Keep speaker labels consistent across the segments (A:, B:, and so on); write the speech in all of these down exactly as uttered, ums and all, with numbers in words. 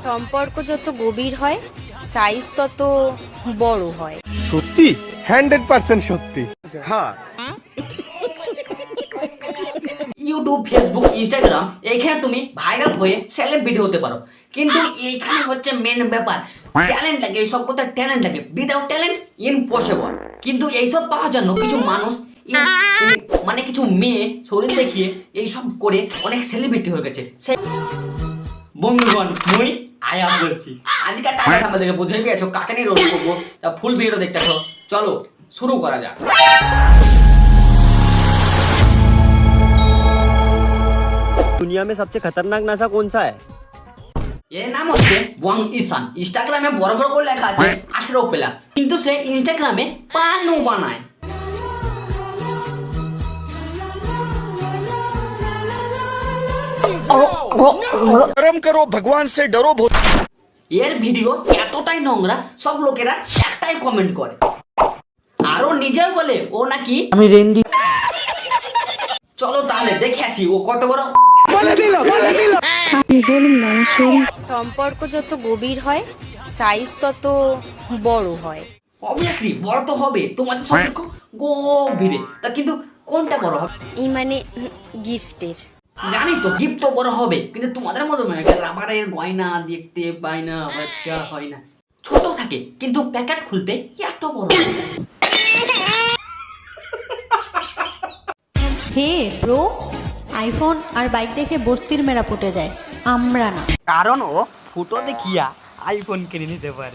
A: সম্পর্ক যত গভীর হয় সাইজ তত বড় হয়।
B: সত্যি হান্ড্রেড পার্সেন্ট সত্যি।
C: হ্যাঁ,
D: ইউটিউব, ফেসবুক, ইনস্টাগ্রাম এইখানে তুমি ভাইরাল হয়ে সেলিব্রিটি হতে পারো, কিন্তু এইখানে হচ্ছে মেন ব্যাপার, ট্যালেন্ট লাগে। এইসব কথা ট্যালেন্ট লাগে, উইদাউট ট্যালেন্ট ইম্পসিবল। কিন্তু এইসব পাওয়ার জন্য কিছু মানুষ মানে কিছু মেয়ে শরীর দেখিয়ে এইসব করে অনেক সেলিব্রিটি হয়ে গেছে। বন্ধুগণ, মুই আয়া বলছি আজকের টাকা সামনে থেকে বুঝে গেছো কাকে নিয়ে রোল করবো, তা ফুল ভিডিও দেখতেছো। চলো শুরু করা যাক।
E: दुनिया में सबसे खतरनाक नशा कौन सा है?
D: এর নাম হচ্ছে ওয়াং ইসান। ইনস্টাগ্রামে বড় বড় করে লেখা আছে আঠেরো প্লা, কিন্তু সে ইনস্টাগ্রামে পানও বানায়।
C: कर्म करो भगवान से डरो।
D: এর ভিডিও এতটাই নোংরা সব লোকেরা একটাই কমেন্ট করে, আরো নিজেও বলে ও নাকি আমি রেন্ডি। চলো তাহলে দেখে আসি ও কত বড়।
A: সম্পর্ক যত গভীর হয় সাইজ তত বড় হয়।
D: অবভিয়াসলি বড় তো হবে, তোমাদের সম্পর্ক গভীরে, তা কিন্তু কোনটা বড় হবে?
A: এই মানে গিফটের।
D: জানি তো গিফট তো বড় হবে, কিন্তু তোমাদের মতো মানে রাবারের গয়না দেখতে পাই না, বাচ্চা হয় না, ছোট থাকে কিন্তু প্যাকেট খুলতে এত বড়।
F: হে ব্রো, আইফোন আর বাইক দেখে বস্তির মেয়েরা ফুটে যায়, আমরা না।
D: কারণ ও ফুটো দেখিয়া আইফোন কিনে নিতে পারে।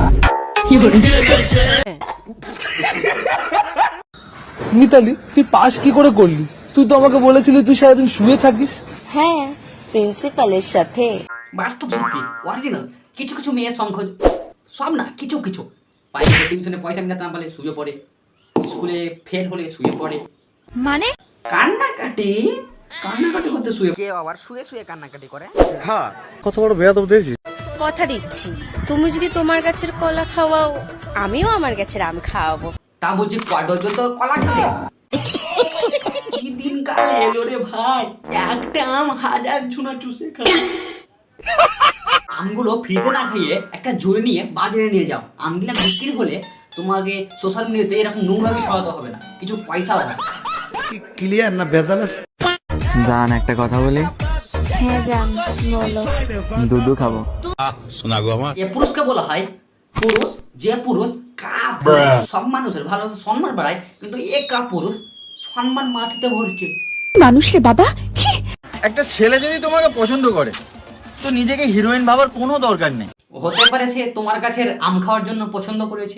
B: মিতালি, তুই পাস কি করে করলি? তুই তো আমাকে বলেছিলি তুই সারাদিন শুয়ে থাকিস।
F: হ্যাঁ, প্রিন্সিপালের সাথে।
D: বাস্তব সত্যি, অরিজিনাল। কিছু কিছু মেয়ের সংখ্যা, সব না, কিছু কিছু বাইরে টিউশনে পয়সা মিলাতে না পারলে শুয়ে পড়ে, স্কুলে ফেল হলে শুয়ে পড়ে,
F: মানে
D: কান্নাকাটি কান্নাকাটি করতে শুয়ে।
E: কেউ আবার শুয়ে শুয়ে কান্নাকাটি করে।
C: হ্যাঁ,
B: কত বড় বেয়াদব দেখছিস?
A: কথা দিচ্ছি, তুমি যদি তোমার গাছের কলা খাওয়াও আমিও আমার গাছের আম খাওয়াবো।
D: তা বলছি কত তো কলা খেলে কি দিন কাল এলো রে ভাই, একটা আম হাজার ঝুনা চুষে খায়। আমগুলো ফ্রিতে না খাইয়ে একটা জোরে নিয়ে বাজারে নিয়ে যাও, আমগুলা বিক্রি হলে তোমাকে সোশ্যাল মিডিয়াতে এরকম নোংরামি ছড়াতে হবে না, কিছু পয়সা হবে।
B: ক্লিয়ার না ভেজাল আছে?
G: জান একটা কথা বলি?
F: হ্যাঁ জান, বলো।
G: দুধু খাবো।
D: এ পুরুষকে বলা হয় পুরুষ, যে পুরুষ কাপ সব মানুষের ভালো সম্মান বাড়ায়, কিন্তু এ কা পুরুষ সম্মান মাটিতে ভরছে।
F: মানুষ রে বাবা।
E: একটা ছেলে যদি তোমাকে পছন্দ করে তো নিজেকে হিরোইন ভাবার কোনো দরকার নেই।
D: হতে পারে সে তোমার কাছের আম খাওয়ার জন্য পছন্দ করেছে।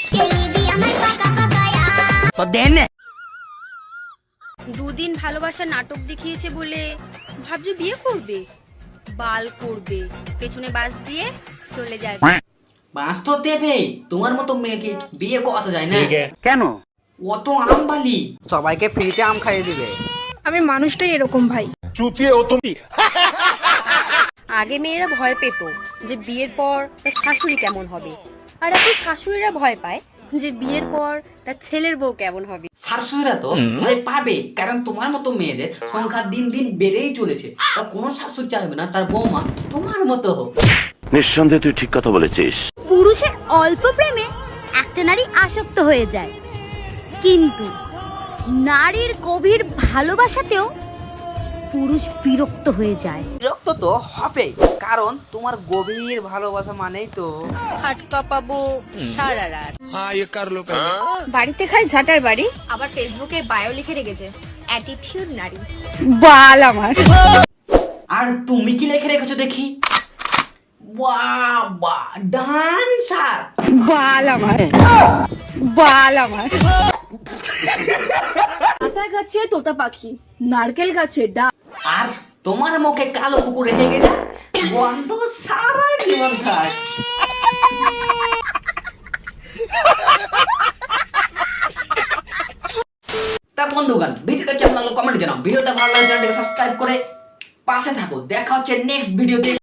E: তো দেন
A: দুদিন ভালোবাসা নাটক দেখিয়েছে বলে ভাবছো বিয়ে করবে, বাল করবে, পেছনে বাস দিয়ে চলে যাবে।
D: বাঁশ তো দেবে, তোমার মতো মেয়েকে বিয়ে করাতে যায় না।
G: কেন?
D: অত আম বালি
E: সবাইকে ফ্রিতে আম খাইয়ে দিবে।
H: আমি মানুষটাই এরকম ভাই।
A: আগে মেয়েরা ভয় পেত যে বিয়ের পর তার শাশুড়ি কেমন হবে, আর এখন শাশুড়িরা ভয় পায় যে বিয়ের পর তার ছেলের বউ কেমন হবে।
D: শাশুড়িরা তো ভয় পাবে, কারণ তোমার মতো মেয়েদের সংখ্যা দিন দিন বেড়েই চলেছে। তা কোনো শাশুড়ি চাইবে না তার বৌমা তোমার মতো হোক।
I: নিঃসন্দেহে তুই ঠিক কথা বলেছিস।
J: পুরুষের অল্প প্রেমে একটা নারী আসক্ত হয়ে যায়, কিন্তু নারীর গভীর ভালোবাসাতেও পুরুষ বিরক্ত হয়ে যায়।
E: বিরক্ত তো হবে, কারণ তোমার গভীর ভালোবাসা মানেই তো
A: খাটকা পাবো সারা রাত।
H: বাড়িতে খাই ঝাটার বাড়ি,
F: আবার ফেসবুকে বায়ো লিখে রেখেছে অ্যাটিটিউড নারী।
H: বাল আমার।
D: আর তুমি কি লিখে রেখেছো দেখি? বাবা ডান্সার।
H: বাল আমার, বাল আমার। আতা গাছে তোতা পাখি, নারকেল গাছে ডাব।
D: আর তোমার মুখে কালো কুকুর রেখে যা, গন্ধ সারা জীবন থাক। তা বন্ধুগণ, ভিডিওটা কেমন লাগলো কমেন্টে জানাও। ভিডিওটা ভালো লাগলে চ্যানেলটাকে সাবস্ক্রাইব করে পাশে থাকো। দেখা হচ্ছে নেক্সট ভিডিওতে।